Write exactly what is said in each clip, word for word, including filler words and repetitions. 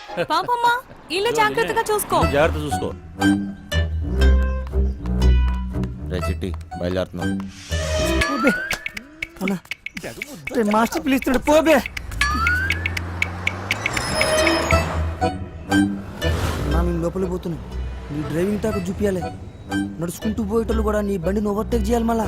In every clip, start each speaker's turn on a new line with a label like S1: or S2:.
S1: పాపమ్మా ఇల్లు జాగ్రత్తగా చూసుకో.
S2: జాగ్రత్త చూసుకో.
S3: రే చిట్టి బయలుదేరుతున్నాం.
S4: మాస్టర్ పిలుస్తున్నాడు పోబే. మేము లోపలికి పోతున్నాం. నీ డ్రైవింగ్ టాక్ చూపించాలి. నడుచుకుంటూ పోయేటోళ్ళు కూడా నీ బండిని ఓవర్టేక్ చేయాలి మళ్ళా.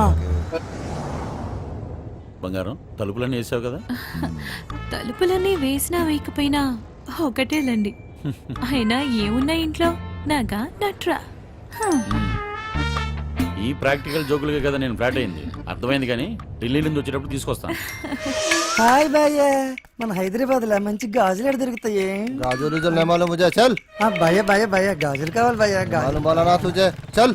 S2: బంగారం తలుపులన్నీ వేసావు కదా?
S1: తలుపులన్నీ వేసినా వేయకపోయినా ఒకటేలండి. అయినా ఏమున్నా ఇంట్లో నాగా నట్రా.
S2: ఈ ప్రాక్టికల్ జోకులుగా కదా నేను ఫ్లాట్ అయింది. అర్థమైంది, కానీ ఢిల్లీ నుంచి వచ్చేటప్పుడు తీసుకొస్తాను.
S4: హాయ్ భయ్య, మన హైదరాబాద్ లో మంచి గాజులు ఎక్కడ దొరుకుతాయి?
S3: గాజులు నెమాలు ముజే చల్.
S4: భయ్య భయ్య భయ్య గాజులు కావాలి భయ్య. గాజులు
S3: బోలనా తుజే చల్.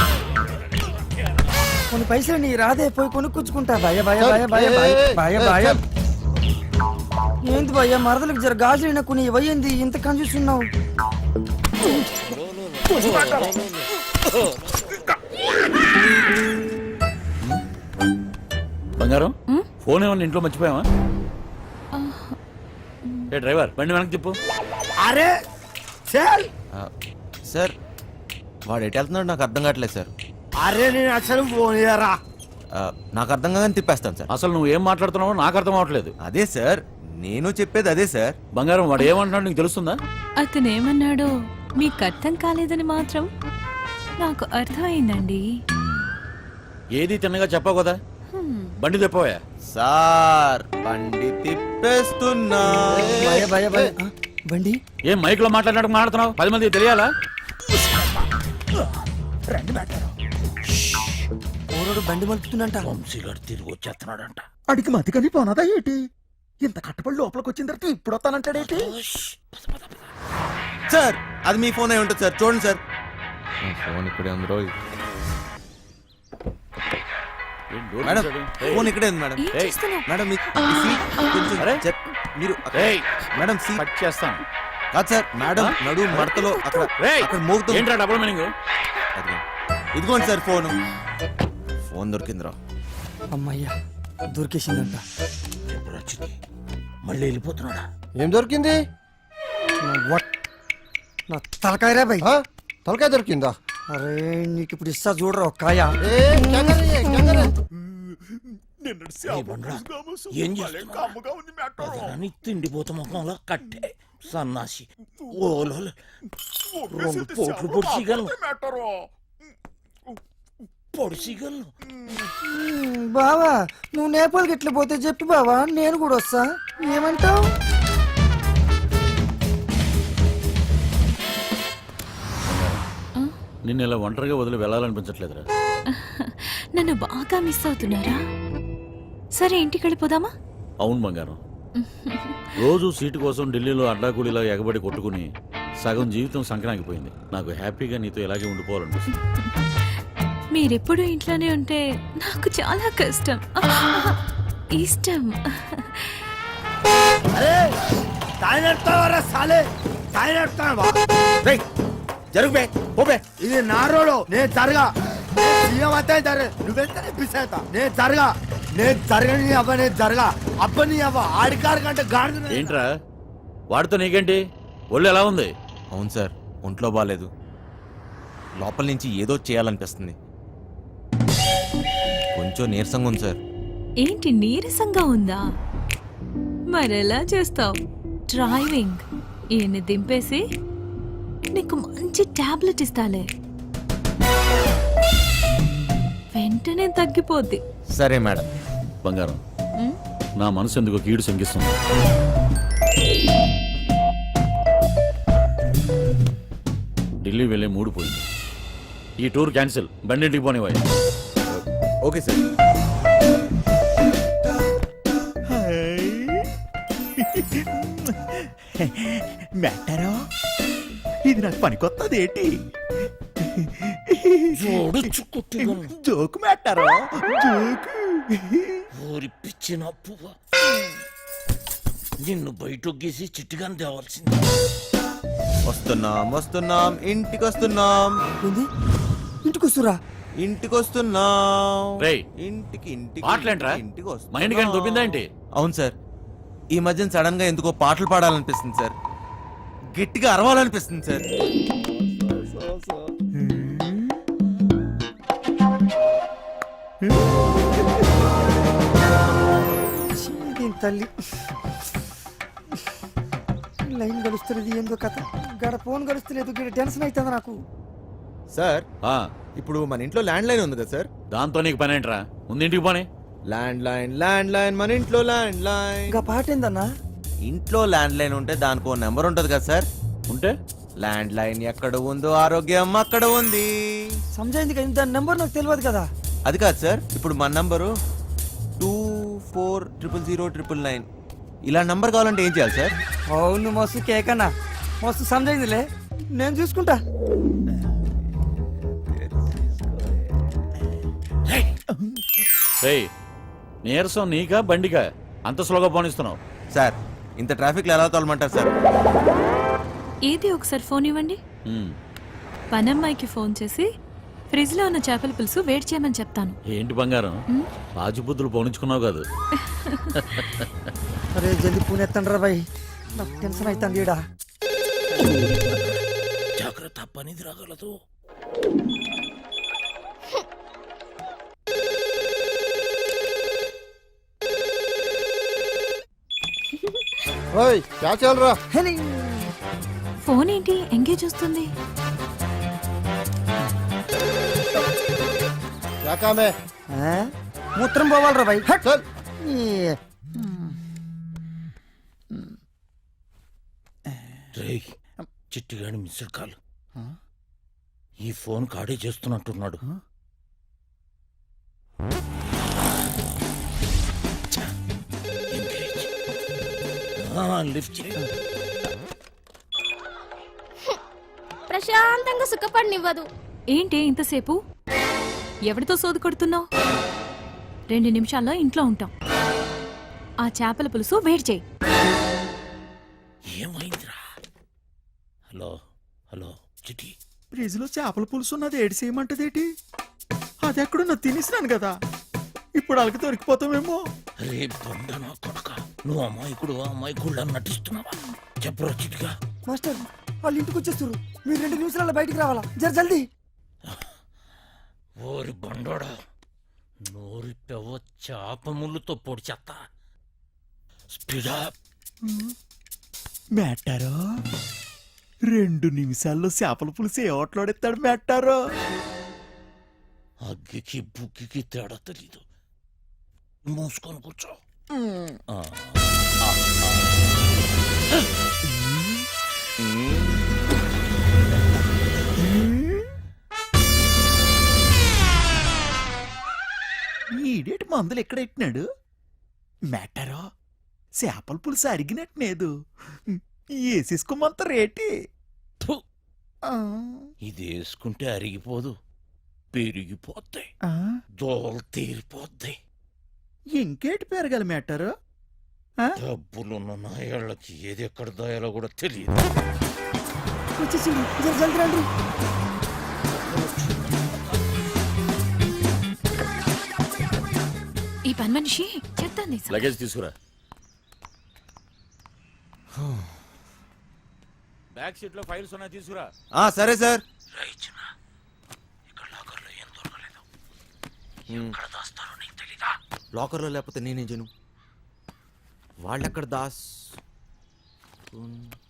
S4: కొన్ని పైసలు నీ రాదే పోయి కొనుక్కొచ్చుకుంటా. భయ్య భయ్య భయ్య భయ్య భయ్య భయ్య భయ్య ఏంటి భయ్య మరదలకు జర గాజులు అయినా కొన్ని ఇవ్వయింది ఇంత కన్ఫ్యూస్తున్నావు.
S2: బంగారం ఫోన్ ఏమన్నా ఇంట్లో మర్చిపోయావా? ఏ డ్రైవర్ బండి వెనక్కి తిప్పు.
S4: అరే సార్
S3: సార్ వాడు ఎటు వెళ్తున్నాడు నాకు అర్థం కావట్లేదు సార్.
S4: అరే నేను అసలు ఫోన్ చేయరా.
S3: నాకు అర్థం కాదని తిప్పేస్తాను సార్.
S2: అసలు నువ్వు ఏం మాట్లాడుతున్నావో నాకు అర్థం అవ్వట్లేదు.
S3: అదే సార్ నేను చెప్పేది అదే సార్.
S2: బంగారం వాడు ఏమంటున్నాడు నీకు తెలుస్తుందా?
S1: అతను ఏమన్నాడో మీకు అర్థం కాలేదని మాత్రం నాకు అర్థమైందండి.
S2: ఏది తిన్నగా చెప్పావు కదా. బండి తిప్పవా?
S3: సార్ బండి తిప్పేస్తున్నా.
S4: భయ భయ భయ బండి
S2: ఏం మైక్ లో మాట్లాడినట్టు మాట్లాడుతున్నావు? పది మంది తెలియాలా?
S4: ఓరోడు బండి మలుపుతుందంట.
S2: వంశీగారు తిరిగి వచ్చేస్తున్నాడంట.
S5: అడిగి మతికని పోనదా ఏంటి? ఇంత కట్టబడి లోపలికి వచ్చిన తర్వాత ఇప్పుడు వస్తానంటాడేంటి?
S3: సార్ అది మీ ఫోన్ అయి ఉంటుంది సార్, చూడండి సార్. ఫోన్ ఇక్కడే ఉంది రోజు. మేడం ఫోన్ ఇక్కడే ఉంది మేడం.
S1: ఏం చేస్తున్నావ్?
S3: మేడం మీ- మీ సీట్ కొంచెం చెప్- మీరు అక్కడ-
S2: ఏయ్,
S3: మేడం సీట్
S2: కట్ చేస్తాను.
S3: కాదు సార్ మేడం నడు మడతలో అక్కడ
S2: రేయ్,
S3: అక్కడ మోగుతుంది.
S2: ఏంట్రా డబుల్ మీనింగ్?
S3: అదిగో. ఇదిగోండి సార్ ఫోన్. ఫోన్ దొరికిందిరా.
S4: అమ్మయ్యా దొరికేసిందంట.
S2: మళ్ళీ వెళ్ళిపోతున్నాడా?
S3: ఏం దొరికింది?
S4: నా తలకాయరా భయ్.
S3: తలకాయ దొరికిందా?
S4: అరే నీకు ఇప్పుడు ఇస్తా చూడరా ఒక కాయ.
S6: తిండిపోత ముఖంలో కట్టే సన్నాసి ఓలో రెండు పోట్లు పొడిచిగలను పొడిచిగలను.
S4: బావా నువ్వు నేపాల్కి ఎట్లా పోతే చెప్పి బావా నేను కూడా వస్తా. ఏమంటావు?
S2: నిన్ను ఇలా ఒంటరిగా వదిలి వెళ్ళాలనిపించట్లేదురా.
S1: నన్ను బాగా మిస్ అవుతున్నారా? సరే ఇంటికి వెళ్ళిపోదామా?
S2: అవును బంగారం, రోజు సీటు కోసం ఢిల్లీలో అడ్డాకూలీలా ఎగబడి కొట్టుకుని సగం జీవితం సంక్రాంతిపోయింది. నాకు హ్యాపీగా నీతో ఇలాగే ఉండిపోవాలనిపిస్తుంది.
S1: మీరెప్పుడు ఇంట్లోనే ఉంటే నాకు చాలా కష్టం. ఇష్టం.
S4: ఇది నా రోడ్. నేను జరగా సీఎం అయితే జరగ నువ్వెంత పిసేత నేను జరగా నేను జరగని అవ్వ నేను జరగా అబ్బని అవ్వ ఆడికారు కంటే గాడి.
S2: ఏంట్రా వాడితో నీకేంటి? ఒళ్ళు ఎలా ఉంది?
S3: అవును సార్ ఒంట్లో బాగాలేదు. లోపల నుంచి ఏదో చేయాలనిపిస్తుంది. కొంచెం నీరసంగా ఉంది సార్.
S1: ఏంటి నీరసంగా ఉందా? మరెలా చేస్తావు? డ్రైవింగ్ ఈయన్ని దింపేసి నీకు మంచి టాబ్లెట్ ఇస్తాలే, వెంటనే తగ్గిపోద్ది.
S3: సరే మేడం.
S2: బంగారం నా మనసు ఎందుకో కీడు శంకిస్తుంది. ఢిల్లీ వెళ్ళే మూడు పోయింది. ఈ టూర్ క్యాన్సిల్. బండింటికి పోనివ్వాలి.
S3: Okay sir.
S5: మెట్టారో ఇది నాకు పనికొత్తది ఏంటి?
S6: జోడుచ్చు కుట్టిగలను
S5: జోకు మెట్టారో జోకు.
S6: ఊరి పిచ్చిన పువ్వ నిన్ను బయటకు గీసి చిట్టుగాని తేవాల్సింది.
S3: వస్తున్నాం వస్తున్నాం ఇంటికి వస్తున్నాం.
S4: ఏంది ఇంటికి వస్తురా?
S3: ఇంటికి వస్తున్నాం.
S2: రేయ్,
S3: ఇంటికి ఇంటికి
S2: పాటలేంట్రా?
S3: ఇంటికి
S2: మైండ్ కానీ దొబ్బిందా ఏంటి?
S3: అవును సార్, ఈ మధ్యన సడన్ గా ఎందుకో పాటలు పాడాలనిపిస్తుంది సార్. గట్టిగా అరవాలనిపిస్తుంది సార్.
S7: దీని తల్లి లైన్ గడుస్తున్నది ఏందో కథ గడ ఫోన్ గడుస్తలేదు గడ టెన్షన్ అవుతుంది నాకు.
S3: సార్
S2: ఆ,
S3: ఇప్పుడు మన ఇంట్లో ల్యాండ్ లైన్ ఉంది కదా సార్.
S2: దాంతో నీకు పని ఏంట్రా? ముందు ఇంటికి పోనీ.
S3: ల్యాండ్ లైన్ ల్యాండ్ లైన్ మన ఇంట్లో ల్యాండ్ లైన్.
S7: ఇంకా పాట ఏందన్నా?
S3: ఇంట్లో ల్యాండ్ లైన్ ఉంటే దానికి ఓ నెంబర్ ఉంటది కదా సార్.
S2: ఉంటే
S3: ల్యాండ్ లైన్ ఎక్కడ ఉందో ఆరోగ్యం అక్కడ ఉంది.
S7: సమజైంది కదా, దాని నెంబర్ నాకు తెలియదు కదా.
S3: అది కాదు సార్, ఇప్పుడు మన number two four triple zero triple nine. ఇలా నంబర్ కావాలంటే ఏం చేయాలి సార్?
S7: అవును మస్తు కేకన్నా, మస్తు సమజైందిలే, నేను చూసుకుంటా.
S2: రేయ్, నీరసం నీకా బండికా అంత స్లోగా పోనిస్తున్నావు?
S3: సార్ ఇంత ట్రాఫిక్ లో ఎలా తోలమంటారు సార్?
S1: ఏది ఒకసారి ఫోన్ ఇవ్వండి.
S2: ఉమ్,
S1: పనమ్మాయికి ఫోన్ చేసి ఫ్రిడ్జ్ లో ఉన్న చేపల పులుసు వేడి చేయమని చెప్తాను.
S2: ఏంటి బంగారం, రాజుబుద్ధులు పోనించుకున్నావు కాదు?
S7: అరే జల్దీ పూణె ఎత్తండి రా బాయ్, నాకు టెన్షన్ అవుతుంది ఈడ.
S6: జాగ్రత్త, పనిది రాగలదు.
S4: ఓయ్ క్యా చల్ రా?
S7: హెలి.
S1: ఫోన్ ఏంటి ఎంగేజ్ వస్తుంది?
S4: క్యా కామ్ హై?
S7: ఆ? మూత్రం పోవాలరా బాయ్. హట్.
S4: చల్.
S7: ఈ,
S6: రేయ్, చిట్టిగాడి మిస్డ్ కాల్. ఈ ఫోన్ కాడే చేస్తున్నట్టున్నాడు. ఛ, ఎంగేజ్. ఆ, లిఫ్ట్ చేయి.
S8: ప్రశాంతంగా సుఖపడినివ్వదు.
S1: ఏంటి ఇంతసేపు? ఎవరితో సోది కొడుతున్నావు? రెండు నిమిషాల్లో ఇంట్లో ఉంటాం. ఆ చేపల పులుసు వేడి చేయి.
S6: ఏమైందిరా? హలో హలో చిటి,
S5: ఫ్రిడ్జ్ లో చేపల పులుసు ఉన్నది ఏడు చేయమంటదేటి? అది ఎక్కడున్నా తినేసినాను కదా, ఇప్పుడు వాళ్ళకి దొరికిపోతామేమో.
S6: రే బండ నా కొడుక, నువ్వు అమాయకుడు అమాయకుడు నటిస్తున్నావా? చెప్పరా చిటిగా.
S7: మాస్టర్ వాళ్ళు ఇంటికి వచ్చేస్తారు, మీరు రెండు నిమిషాల్లో బయటికి రావాలా, జర జల్దీ.
S6: ఓరి బండోడా, నోరి పెవ్వ చాప ముళ్ళుతో పొడి చెత్త. స్పీడా.
S5: మెట్టారో రెండు నిమిషాల్లో చేపల పులుసు ఏ ఓట్లాడెత్తాడు మెట్టారో.
S6: అగ్గికి బుగ్గికి తేడా తెలీదు. మూసుకొని కూర్చో. ఆ, ఆ, ఆ.
S5: ఈడేటి మందులు ఎక్కడ ఎట్టినాడు మెట్టారో? చేపల పులుసు అరిగినట్లేదు, వేసేసుకోమంత రేటి.
S6: ఫు, ఇది వేసుకుంటే అరిగిపోదు, పెరిగిపోద్ది, దోలు తీరిపోద్ది.
S5: ఇంకేటి పెరగాలి మెట్టారో?
S6: డబ్బులున్న నాయాళ్ళకి ఏది ఎక్కడ దాయాలో కూడా తెలియదు.
S7: వచ్చేసింది, జర జల్దీ రండి.
S1: ఈ పని మనిషి చెప్తాను.
S2: లగేజ్ తీసుకురా. బ్యాక్ సీట్ లో ఫైల్స్ ఉన్నాయి, తీసుకురా.
S3: ఆ సరే సార్.
S6: రైచిన, ఇక్కడ లాకర్లో ఏం దొరకలేదు. ఎక్కడ దాస్తారో నీకు తెలీదా?
S3: లాకర్లో లేకపోతే నేనేం చేయను. వాళ్ళెక్కడ దాస్